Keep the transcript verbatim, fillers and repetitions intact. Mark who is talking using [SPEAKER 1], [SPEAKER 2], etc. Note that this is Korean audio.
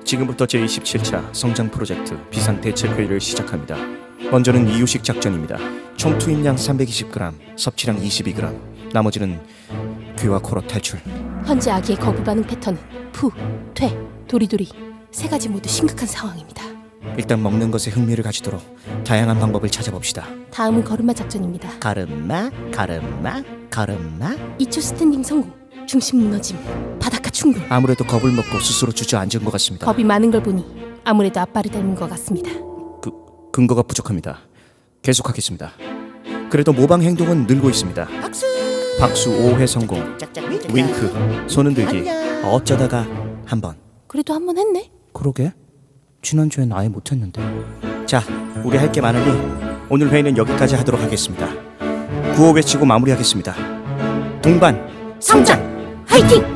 [SPEAKER 1] 지금부터 제이십칠 차 성장 프로젝트 비상 대책 회의를 시작합니다. 먼저는 이유식 작전입니다. 총 투입량 삼백이십 그램, 섭취량 이십이 그램, 나머지는 귀와 코로 탈출.
[SPEAKER 2] 현재 아기의 거부 반응 패턴은 푸, 퇴, 도리도리 세 가지 모두 심각한 상황입니다.
[SPEAKER 1] 일단 먹는 것에 흥미를 가지도록 다양한 방법을 찾아봅시다.
[SPEAKER 2] 다음은 걸음마 작전입니다.
[SPEAKER 1] 가름마, 가름마, 가름마.
[SPEAKER 2] 이 초 스탠딩 성공, 중심 무너짐, 바닷가 충돌.
[SPEAKER 1] 아무래도 겁을 먹고 스스로 주저앉은 것 같습니다.
[SPEAKER 2] 겁이 많은 걸 보니 아무래도 아빠를 닮은 것 같습니다.
[SPEAKER 1] 그, 근거가 부족합니다. 계속하겠습니다. 그래도 모방 행동은 늘고 있습니다.
[SPEAKER 3] 박수.
[SPEAKER 1] 박수 오 회 성공. 윙크, 손 흔들기. 어쩌다가 한 번.
[SPEAKER 2] 그래도 한 번 했네.
[SPEAKER 1] 그러게. 지난주엔 아예 못했는데. 자, 우리 할 게 많으니 오늘 회의는 여기까지 하도록 하겠습니다. 구호 외치고 마무리하겠습니다. 동반
[SPEAKER 2] 성장! 화이팅!